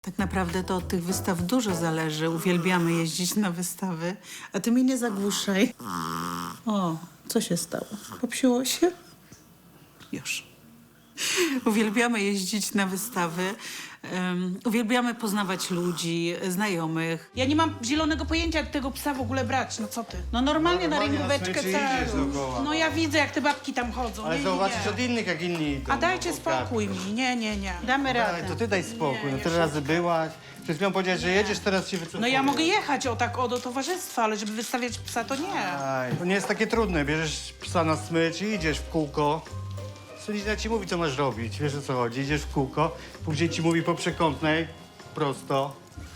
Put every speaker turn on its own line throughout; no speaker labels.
Tak naprawdę to od tych wystaw dużo zależy. Uwielbiamy jeździć na wystawy. A ty mnie nie zagłuszaj. O, co się stało? Popsiło się? Już. Uwielbiamy jeździć na wystawy. Uwielbiamy poznawać ludzi, znajomych.
Ja nie mam zielonego pojęcia, jak tego psa w ogóle brać, no co ty?
No normalnie na
Normalnie na
rękóweczkę
smyczy idziesz
całą.
dookoła.
No ja widzę, jak te babki tam chodzą.
Ale
nie,
zauważysz
nie.
od innych, jak inni idą.
A dajcie
no,
spokój mi, nie.
Damy
Daj,
radę.
to ty daj spokój,
Nie,
no
ja
tyle razy byłaś. Przed chwilą powiedziałeś, że jedziesz, teraz się wycofuję.
No ja mogę jechać o tak do towarzystwa, ale żeby wystawiać psa, to nie.
Aj, to nie jest takie trudne, bierzesz psa na smycz i idziesz w kółko. Sędzia ci mówi, co masz robić, wiesz o co chodzi, idziesz w kółko, później ci mówi po przekątnej, prosto,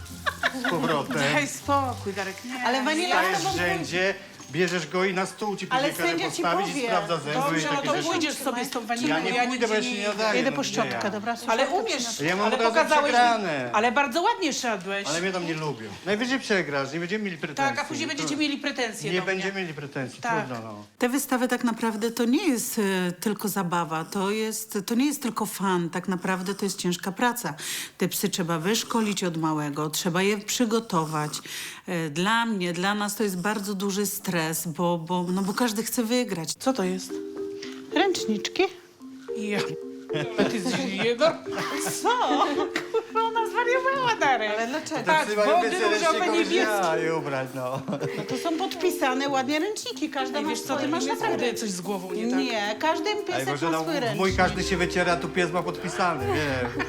z powrotem.
Daj spokój, Darek, nie.
Ale Wanila-
Stajesz w rzędzie, bierzesz go i na stół ci
Ale
później każe
sędzia ci
postawić i
powie.
sprawdza zęby i
Dobrze, no
takie
to
rzeczy.
pójdziesz sobie z tą wanilą,
Ja nie pójdę,
nigdzie
bo ja się nie nadaję.
Jedę
no
po
gdzie
szczotkę,
ja?
dobra?
Ale
Szczotkę
umiesz,
Ja mam
ale
od razu
pokazałeś
przegrane.
Ale bardzo ładnie szedłeś.
Ale mnie tam nie lubią. Najwyżej przegrasz, nie będziemy mieli pretensji.
Tak, a później będziecie mieli pretensje
Nie
do mnie.
będziemy mieli pretensji,
Tak.
trudno no.
Te wystawy tak naprawdę to nie jest tylko zabawa, to nie jest tylko fan, tak naprawdę to jest ciężka praca. Te psy trzeba wyszkolić od małego, trzeba je przygotować. Dla mnie, dla nas to jest bardzo duży stres, bo każdy chce wygrać.
Co to jest?
Ręczniczki?
Ja. Ty zjebał. Co? Kurwa, ona zwariowała, Darek.
Ale dlaczego?
Tak,
Psy mają
wody
więcej
różowe,
ręczników niż
niebieskie.
ja je ubrać, no.
No to są podpisane ładnie ręczniki, każda
Ej,
ma
wiesz co, ty
swoje
masz
imię,
naprawdę
swoje
coś z głową nie tak.
Nie, każdy
Ej,
piesek
może
ma
no,
swój
mój
ręcznik.
każdy się wyciera, tu pies ma podpisany, wiesz.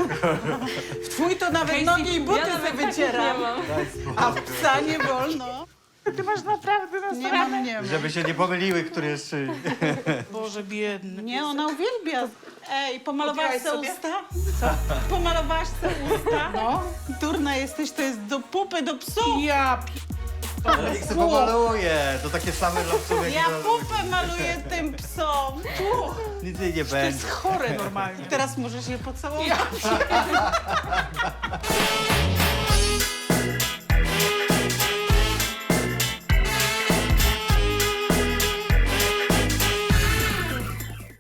Twój to nawet nogi i buty sobie wycieram, a w psa nie wolno.
Ty masz naprawdę
Nie mam, nie mam.
Żeby się nie pomyliły, który jest czyj.
Boże, biedny.
Nie, ona uwielbia. Ej, pomalowałaś
Kupiłaś
se
sobie?
usta? Co? Pomalowałaś se usta? No. Durna jesteś, to jest do pupy, do psów.
Ja
Niech se pomaluje, to takie same dla psów jak
Ja
dla ludzi.
pupę maluję tym psom.
Nic jej nie
To
będzie.
jest chore normalnie.
Teraz możesz je pocałować.
Ja